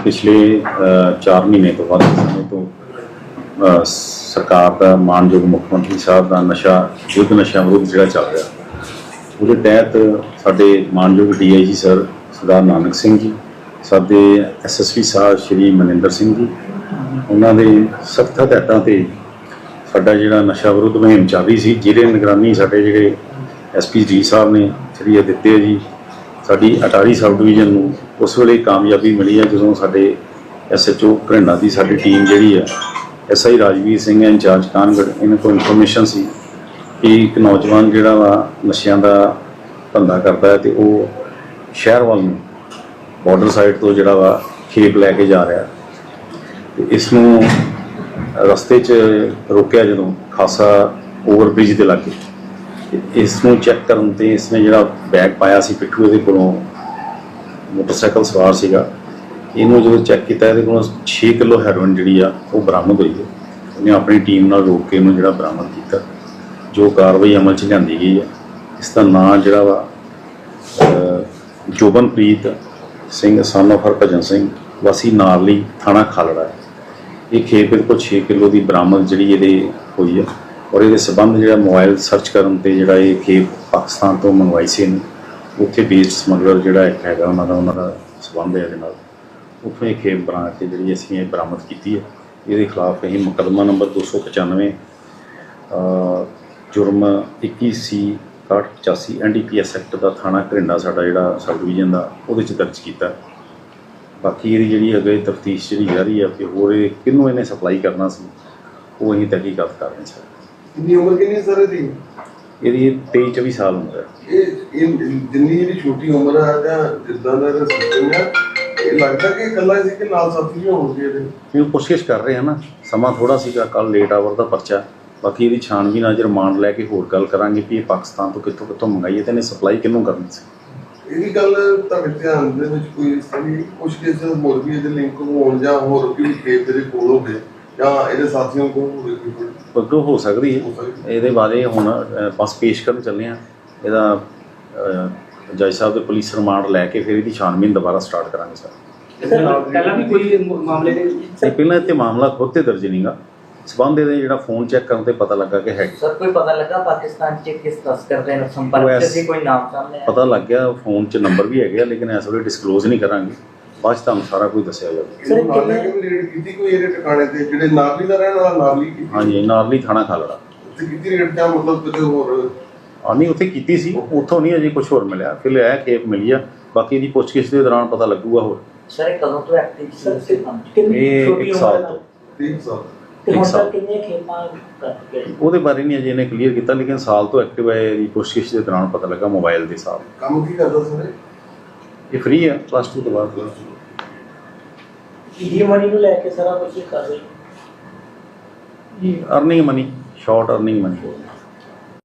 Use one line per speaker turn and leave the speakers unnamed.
पिछले 4 महीने तो बाद समय तो सरकार का मानयोग मुख्यमंत्री साहब का नशा युद्ध नशा विरुद्ध जोड़ा चल रहा उसके तहत साढ़े मानयोग DIG सर सरदार नानक सिंह जी, साढ़े SSP साहब श्री मनिंदर सिंह जी, उन्होंने सख्त हदायतों से साडा जिहड़ा नशा विरुद्ध मुहिम चल रही सी, जिहदे निगरानी साडे जिहड़े SP जी साहब ने श्री आदित्य जी, साडी अटारी सब डिवीजन नूं उस वेले कामयाबी मिली है जदों साडे SHO घरिंडा की साडी टीम जिहड़ी है SI राजवीर सिंह इंचार्ज कानगढ़, इन्हां को इन्फॉर्मेशन सी कि एक नौजवान जिहड़ा वा नशियां दा धंधा करता है तो वह शहर वाल नूं बॉर्डर साइड तो जिहड़ा वा खेप लैके जा रहा है। तो इसनूं रस्ते च रोकिया जदों खासा ओवरब्रिज के लागे, इसनूं चैक करन ते इसने जिहड़ा बैग पाया सी पिट्ठू इहदे कोलों मोटरसाइकिल सवार सीगा, इनू जो चैक किया ये 6 किलो हैरोइन जी वो बरामद हुई है। उन्हें अपनी टीम नाल रोक के इन्हूं जिहड़ा बरामद किया, जो कार्रवाई अमल च लिआंदी गई है। इसका नाम जिहड़ा वा जोबनप्रीत सिंह सन ऑफ हरभजन सिंह वासी नारली थाना खालड़ा है। ये खेप इहदे कोल 6 किलो की बरामद जी हुई है और ये संबंध जो मोबाइल सर्च करन ते जिहड़ा ये खेप पाकिस्तान तो मंगवाई सी उत्थे बेस्ड समगलर जिहड़ा एक हैगा उन्हां दा संबंध है इहदे नाल, उत्थों ये खेप बना के जिहड़ी असीं ये बरामद की है। ये खिलाफ असीं मुकदमा नंबर 295 जुर्म 21C/85 NDPS एक्ट का थाना घरिंडा साडा जिहड़ा सब डिवीजन का वो दर्ज किया। बाकी ये जी अगे तफ्तीश जी जारी है कि होर किनों इन्हें सप्लाई करना सी वो असीं तहकीकात कर रहे हैं। सर
इन्नी उम्र कितनी सर इसकी?
ये 23-24 साल उम्र है।
जिन्नी जी छोटी उम्र है जां जिद्दां दा सिस्टम है, ये लगता कि कल्ला इसी के नाल साथी भी होणगे ਇਹਦੇ?
कोशिश कर रहे हैं ना, समा थोड़ा सीगा, कल लेट आवर का परचा, बाकी ये छानबीन अज रिमांड लैके होर गल करांगे कि पाकिस्तान तो कितों कितों मंगाई है तो इन्हें सप्लाई किनों करनी सी।
ਇਹ ਗੱਲ ਤੁਹਾਡੇ ਧਿਆਨ ਦੇ ਵਿੱਚ ਕੋਈ ਇਸ ਤਰ੍ਹਾਂ ਦੀ ਕੁਝ ਕਿਸੇ ਹੋਰ ਵੀ ਇਹਦੇ ਲਿੰਕ ਹੋਣ ਜਾਂ ਹੋਰ ਵੀ ਖੇਤ ਦੇ ਕੋਲ ਹੋਵੇ ਜਾਂ ਇਹਦੇ ਸਾਥੀਆਂ ਕੋਲ ਹੋਵੇ ਕੋਈ
ਅੱਗੋਂ ਹੋ ਸਕਦੀ ਹੈ। ਇਹਦੇ ਬਾਰੇ ਹੁਣ ਬਸ ਪੇਸ਼ ਕਰਨ ਚੱਲੇ ਹਾਂ। ਇਹਦਾ ਜੱਜ ਸਾਹਿਬ ਦੇ ਪੁਲਿਸ ਰਿਮਾਂਡ ਲੈ ਕੇ ਫਿਰ ਇਹਦੀ ਛਾਨਬੀਨ ਦੁਬਾਰਾ ਸਟਾਰਟ ਕਰਾਂਗੇ। ਸਰ
ਪਹਿਲਾਂ ਵੀ ਕੋਈ ਮਾਮਲੇ ਦੇ
ਪਹਿਲਾਂ ਇੱਥੇ ਮਾਮਲਾ ਖੁਦ ਤੇ ਦਰਜ ਨਹੀਂਗਾ, ਸਬੰਧ ਇਹਦੇ ਜਿਹੜਾ ਫੋਨ ਚੈੱਕ ਕਰਨ ਤੇ ਪਤਾ ਲੱਗਾ ਕਿ ਹੈ।
ਸਰ ਕੋਈ ਪਤਾ ਲੱਗਾ ਪਾਕਿस्तान ਚ ਕਿਸ ਤਸਕਰ ਦੇ ਨਾਲ ਸੰਪਰਕ ਚ ਸੀ, ਕੋਈ ਨਾਮ ਸਾਹਮਣੇ ਆਇਆ?
ਪਤਾ ਲੱਗ ਗਿਆ ਫੋਨ 'ਚ ਨੰਬਰ ਵੀ ਹੈਗੇ ਆ, ਲੇਕਿਨ ਇਸ ਵੇਲੇ ਡਿਸਕਲੋਜ਼ ਨਹੀਂ ਕਰਾਂਗੇ, ਬਾਅਦ 'ਚ ਤੁਹਾਨੂੰ ਸਾਰਾ ਕੁਝ ਦੱਸਿਆ ਜਾਊਗਾ।
ਸਰ ਕਿੰਨੇ ਰੇਡ ਕੀਤੀ ਕੋਈ ਇਹਦੇ ਟਿਕਾਣੇ ਤੇ ਜਿਹੜੇ ਨਾਰਲੀ ਦਾ ਰਹਿਣ ਵਾਲਾ ਨਾਰਲੀ ਕੀਤੀ?
ਹਾਂਜੀ, ਨਾਰਲੀ ਥਾਣਾ ਖਾਲੜਾ
ਤੇ ਕਿੰਨੀ ਰੇਡ ਦਾ ਮਤਲਬ ਕਿਤੇ ਹੋਰ
ਨਹੀਂ ਉੱਥੇ ਕੀਤੀ ਸੀ, ਉੱਥੋਂ ਨਹੀਂ ਅਜੇ ਕੁਝ ਹੋਰ ਮਿਲਿਆ। ਫਿਰ ਲਿਆ ਖੇਪ ਮਿਲੀ ਆ, ਬਾਕੀ ਇਹਦੀ ਪੁੱਛਗਿੱਛ ਦੇ ਦੌਰਾਨ ਪਤਾ ਲੱਗੂਗਾ ਹੋਰ।
ਸਰ ਇਹ ਕਦੋਂ ਤੋਂ ਐਕਟਿਵ ਸੀ?
ਇਹ 1 ਸਾਲ ਤੋਂ
3 ਸਾਲ
ਕਿੰਨੇ ਖੇਮਾਂ ਕਰਕੇ
ਉਹਦੇ ਬਾਰੇ ਨਹੀਂ ਅਜੇ ਇਹਨੇ ਕਲੀਅਰ ਕੀਤਾ, ਲੇਕਿਨ ਸਾਲ ਤੋਂ ਐਕਟਿਵ ਹੈ। ਇਹਦੀ ਪੁੱਛਗਿੱਛ ਦੇ ਦੌਰਾਨ ਪਤਾ ਲੱਗਾ ਮੋਬਾਈਲ ਦੇ ਹਿਸਾਬ।
ਕੰਮ ਕੀ ਕਰਦਾ ਸਰ?
ਇਹ ਫ੍ਰੀ ਹੈ +2 ਤੋਂ ਬਾਅਦ।
ਇਹ ਮਨੀ ਨੂੰ ਲੈ ਕੇ ਸਾਰਾ ਕੁਝ ਕਰ ਰਹੇ
earning money, short earning money.